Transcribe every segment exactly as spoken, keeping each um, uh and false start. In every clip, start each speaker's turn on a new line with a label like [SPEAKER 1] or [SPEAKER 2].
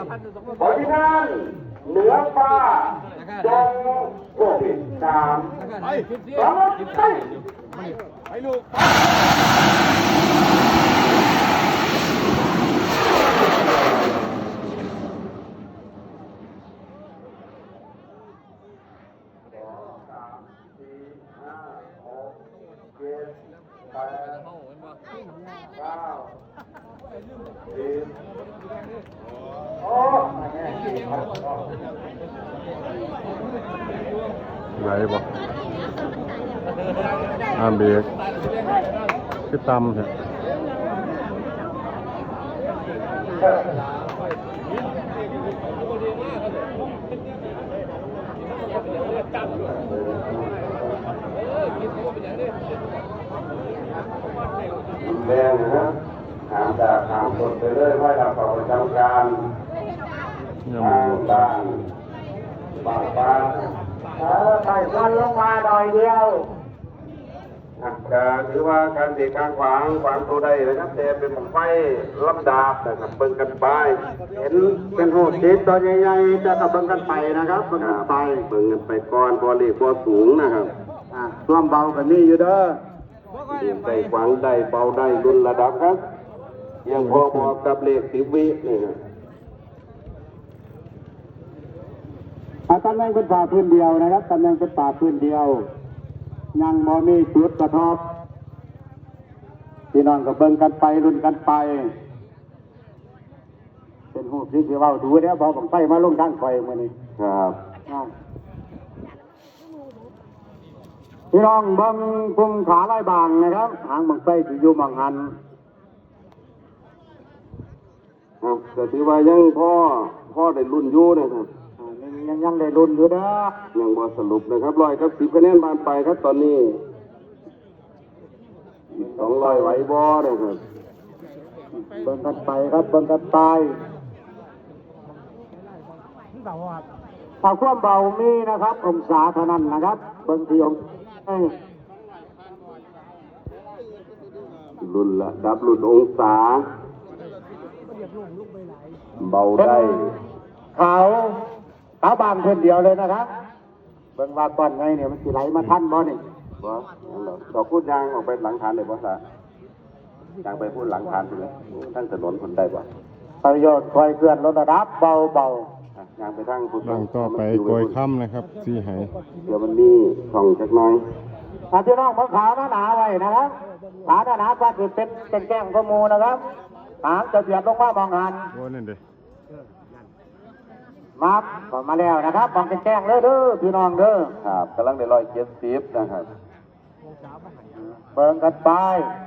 [SPEAKER 1] ขอที่นั่นเหนือฟ้าจงโควิดสามสองไปไปลูก
[SPEAKER 2] ไหลบ่อามเบรกคือตำเนี่ย
[SPEAKER 1] แดงนะครับถามจากถามสดไปเรื่อยว่าเราประจำการทางด้านบางบ้านเออไต่วันลงมาหน่อยเดียวการถือว่าการตีการขวางขวางตัวใดนะครับแต่เป็นผมไฟลำดาบนะครับเบิ่งกันไปเห็นเป็นหูจิตตัวใหญ่ๆจะกับเบิ่งกันไปนะครับเบิ่งกันไปเบิ่งกันไปก่อนพอเรียกพอสูงนะครับส่วมเบากันนี่อยู่เด้อได้ขวางได้เบาได้รุ่นระดับครับยังพอเหมาะกับเลขสิบวินี่ครับตำแหน่งเป็นป่าพื้นเดียวนะครับตำแหน่งเป็นป่าพื้นเดียวยังมอมีจุดกระทบพี่น้องก็เบิ่งกันไปรุ่นกันไปเป็นหูที่ที่ว่าดูเนี่ยบอกผมไปมาลงด้านไฟมานี่ครับพี่น้องเบิ่งพุ่งขาไล่บางนะครับหางบังไฟที่อยู่บางหันครับแต่ถือว่ายังพ่อพ่อได้รุ่นอยู่นะครับยังยังได้รุ่นอยู่นะยังบ่สรุปนะครับร้อยกับสิบคะแนนผ่านไปครับตอนนี้สองร้อยไหวบ่เลยครับเบิ่งกันไปครับเบิ่งกันไปถ้าความเบามีนะครับองศาเท่านั้นนะครับเบิ่งที่องศารุ่นละดับรุ่นองศาเบาได้เขาขาบางเพื่อนเดียวเลยนะครับเบิ่งว่าก่อนไงเนี่ยมันสิไหลมาทันบ่นี่บ่ดอกพูดยางออกไปหลังฐานเลยบ่ซะยางไปพูดหลังฐานเลยทั้งถนนคนได้บ่ประโยชน์คอยเคลื่อนลดระดับเบาเบายางไปทั้งพูด
[SPEAKER 2] หลังต่อไปโกยค่ำนะครับสีไห
[SPEAKER 1] เดี๋ยวมันมีช่องจักน้อยถ้าพี่น้องผมขาวหนาไว้นะครับขาหนาก็คือเป็นเป็นแก้งข้อมูลนะครับหางจะเบียดลงมามองหัน
[SPEAKER 2] โอ้นั่นเด้
[SPEAKER 1] มาก็มาแล้วนะครับมองเป็นแจ้งเลยเด้อพี่น้องเด้อครับกำลังได้ร้อยเจ็ดสิบนะครับเบิ่งกันไป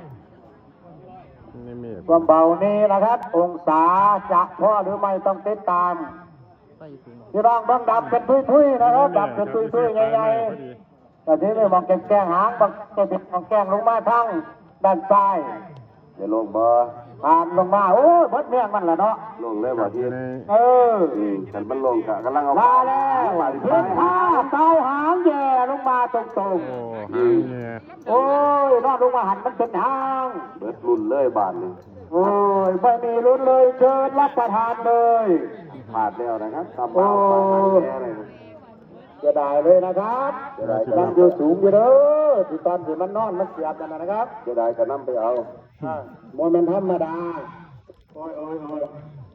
[SPEAKER 1] ความเบานี้นะครับองศาจะพอหรือไม่ต้องติดตามพี่น้องเบิ่งดับเป็นทุยๆนะครับดับเป็นทุยๆใหญ่ๆแต่ที่นี่มองแก้งหางบางจะเป็นมองแก้งลงมาทั้งด้านซ้ายเดี๋ยวลงบ่ผ่านลงมาโอ้ยบดเมี่ยงมันแหละเนาะลงเลยบ่ที่เออฉันมันลงกะกำลังเอามาแล้วเพื่อนข้าเตาหางแย่ลงมาตรงๆโอ้หางแย่โอ้ยนอนลงมาหันมันเป็นหางเบิดรุ่นเลยบานนี่โอ้ยไม่มีรุ่นเลยเชิญรับประทานเลยผ่านแล้วนะครับทำเอาไปแย่เลยจะได้เลยนะครับจะได้กำลังอยู่สูงอยู่เด้อที่ตอนที่มันนอนมันเสียบกันนะครับจะได้ก็นำไปเอาโมเมนต์ธรรมดาโอ้ยโอ้ยโอ้ย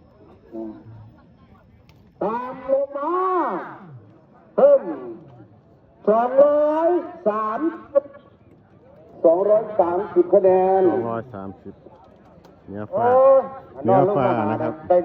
[SPEAKER 1] ตามลงมาเพิ่มสองร้อยสามสองร้อยสามสิบคะแนน
[SPEAKER 2] สองร้อยสามสิบเนื้อฟ้าเนื้อฟ้านะครับ